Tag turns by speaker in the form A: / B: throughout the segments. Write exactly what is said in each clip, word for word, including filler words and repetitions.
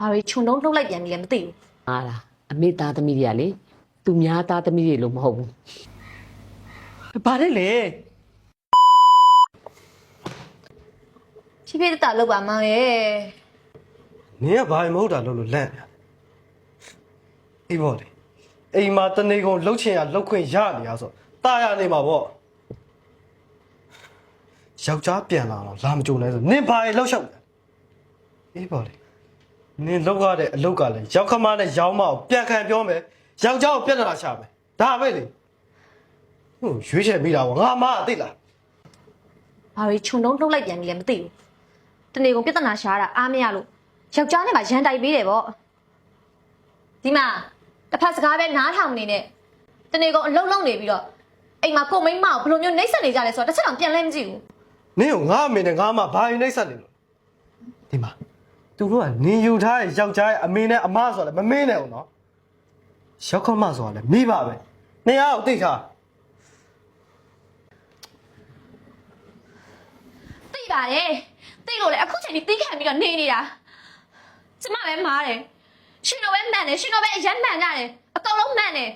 A: ဘာတွေခြုံတုံးလှုပ်လိုက်ပြန်ပြီလဲမသိဘူး
B: ဟာလားအမေသားသမီးတွေကလေသူများသားသမီးတွေလို့မဟုတ်ဘူးဘာလဲလေ
A: ဖြည်းဖြည်းတတလောက်ပါမောင်ရဲ့
C: နင်ကဘာမှမဟုတ်တာလို့လို့လန့်နေအေးပေါ့လေအိမ်မှာတနေကုန်လှုပ်ချင်ရလှုပ်ခွင့်ရနေရဆိုတာရနေမှာပေါ့ယောက်ျားပြန်လာတော့လာမကြုံနိုင်ဆိုနင်ဘာတွေလှုပ်ရှောက်အေးပေါ့လေနင်လှုပ်ရတဲ့အလုပ်ကလည်းရောက်ခမနဲ့ရောင်းမအောင်ပြန်ခံပြောမယ်ယောက်ျားကိုပြဿနာရှာမယ်ဒါပဲလေဟိုရွေးချယ်မိတာပေါ့ငါမအသိလား
A: ဘာတွေခြုံတုံးလှုပ်လိုက်ပြန်ပြီလဲမသိဘူးတနေ့ကုန်ပြဿနာရှာတာအားမရလို့ယောက်ျားနဲ့မှရန်တိုက်ပေးတယ်ပေါ့ဒီမှာတစ်ဖက်စကားပဲနားထောင်နေနဲ့တနေ့ကုန်အလုံးလုံးနေပြီးတော့အိမ်မှာကိုမိန်းမကိုဘယ်လိုမျိုးနှိမ့်ဆက်နေကြလဲဆိုတော့တစ်ချက်တောင်ပြန်လဲမကြည့်ဘူး
C: နင်ကငါအမေနဲ့ငါမဘာယူနှိမ့်ဆက်နေလို့ဒီမှာသူတို့ကနင်ယူထားတဲ့ယောက်ျားရဲ့အမေနဲ့အမဆိုလည်းမမင်းနဲ့အောင်နော်ရောက်ခမဆိုတာလည်းမိပါပဲနေရအောင်သိထား
A: သိပါတယ်သိလို့လေအခုချိန်ကြီးတီးခံပြီးတော့နေနေတာကျမပဲမားတယ်ရှင်တော့ပဲမှန်တယ်ရှင်တော့ပဲအရန်မှန်ကြတယ်အကောင်လုံးမှန်တယ်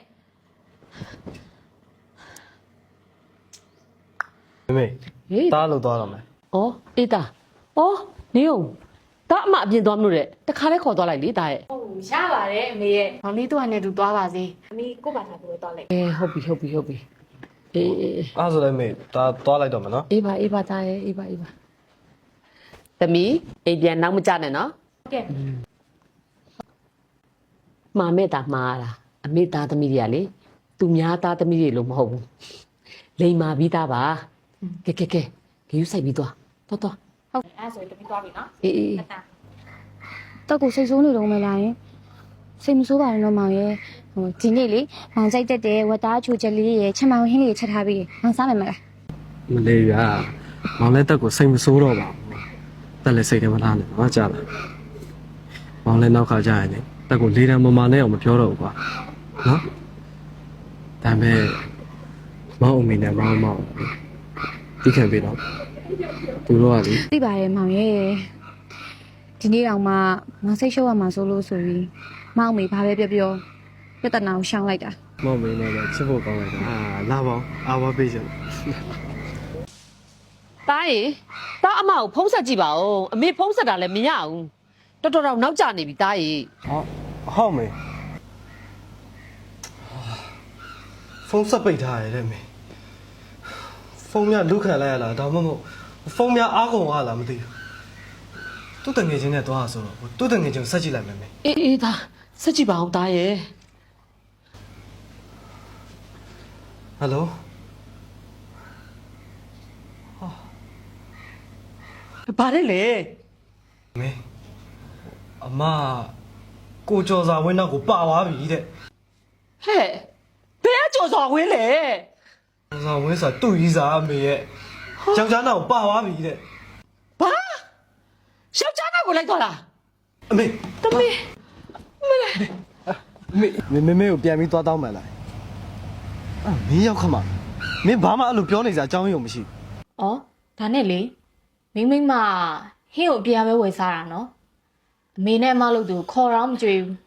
C: မမေ
B: ဟေး
C: တားလို့သွားတော့မယ်
B: ဩအေးသားဩနေအောင်ဒါအမအပြင်သွားမလို့တဲ့တခါလဲခေါ်သွားလိုက်လေဒါရဲ့
A: ဟုတ်ရပါတယ်အမေရဲ့မောင်လေးတို့ကလည်းသူသွားပါစေအမေကိုပါထားပြီးတော့လိုက်
B: အေးဟုတ်ပြီဟုတ်ပြီဟုတ်ပြီအေးအေး
C: အဲ့ဆိုလည်းမေတားသွားလိုက်တော့မယ်နော်
B: အေးပါအေးပါသားရဲ့အေးပါအေးပါသမီးအိမ်ပြန်နောက်မကြနဲ့နော်
A: ဟုတ်ကဲ့
B: မာမဲ့တာမှားလားအမေသားသမီးတွေကလေသူများသားသမီးတွေလို့မဟုတ်ဘူးလိန်မာပြီးသားပါကဲကဲကဲဂယူဆိုင်ပြီးသွားသွားသွား
A: ဟုတ်အဲ့ဆိုရင်တမီးသွားပြီနော်
B: အေးအေး
D: တော့ကိုစိတ်ဆိုးနေတော့မလားယင်စိတ်မဆိုးပါနဲ့တော့မောင်ရဲ့ဟိုဒီနေ့လေမောင်ကြိုက်တတ်တဲ့ဝတ်သားချိုချက်လေးရဲ့ချက်မောင်ဟင်းလေးချက်ထားပြီးမောင်စားမယ်မလား
C: မလေးရမောင်လည်းတက်ကိုစိတ်မဆိုးတော့ပါဘူးတက်လည်းစိတ်ထဲမထားနဲ့နော်ကြားလားမောင်လည်းနောက်ခါကြရင်လေတက်ကိုလေးတန်းမမနဲ့အောင်မပြောတော့ဘူးကွာနော်ဒါပေမဲ့မောင်အမေနဲ့မောင်မောင်တိခံပေးတော့သူတို့ကလေ
D: သိပါတယ်မောင်ရဲ့ဒီနေ့တော့မှမောင်စိတ်ရှုပ်ရမှာဆိုလို့ဆိုပြီးမောင်အမေဘာပဲပြောပြောပြဿနာကိုရှောင်လိုက်တာ
C: မောင်မေနဲ့လည်းချစ်ဖို့ကောင်းလိုက်တာအာလာပါအာဝပေးချင်
B: တားရေတားအမကိုဖုံးဆက်ကြည့်ပါဦးအမေဖုံးဆက်တာလည်းမရဘူးတော်တော်တော့နောက်ကျနေပြီတားရေ
C: ဟောဟုတ်မေဖုန်းဆက်ပိတ်ထားရတယ်မေဖုန်းများလုခံလိုက်ရလားဒါမှမဟုတ်ဖုန်းများအားကုန်ရလားမသိဘူးသူ့တငယ်ချင်းနဲ့သွားဆိုတော့သူ့တငယ်ချင်းဆက်ကြည့်လိုက်မယ်မေ
B: အေးအေးသားဆက်ကြည့်ပါဦးတားရေ
C: ဟယ်လို
B: ဘာလဲလေ
C: မေအမကိုကျော်စာဝင်းနောက်ကိုပါသွားပြီတဲ့
B: ဟဲ့ဘယ်ကကြော်စော်ဝင်းလဲ
C: ကျော်စာဝင်းဆိုတာသူ့ကြီးစားအမေရဲ့ယောက်ျားနောက်ကိုပါသွားပြီတဲ့
B: ဘာယောက်ျားနောက်ကိုလိုက်သွားလား
C: အမေ
B: တမီး
C: မေမေမေကိုပြန်ပြီးသွားတောင်းမှန်လားအာမင်းရောက်ခမမင်းဘာမှအဲ့လိုပြောနေစရာအကြောင်းရုံမရှိ
E: ။အော်ဒါနဲ့လေမိမ့်မိမ့်မဟင်းကိုအပြားပဲဝယ်စားတာနော်။အမေနဲ့အမလို့သူခေါ်တော့မကြွေဘူး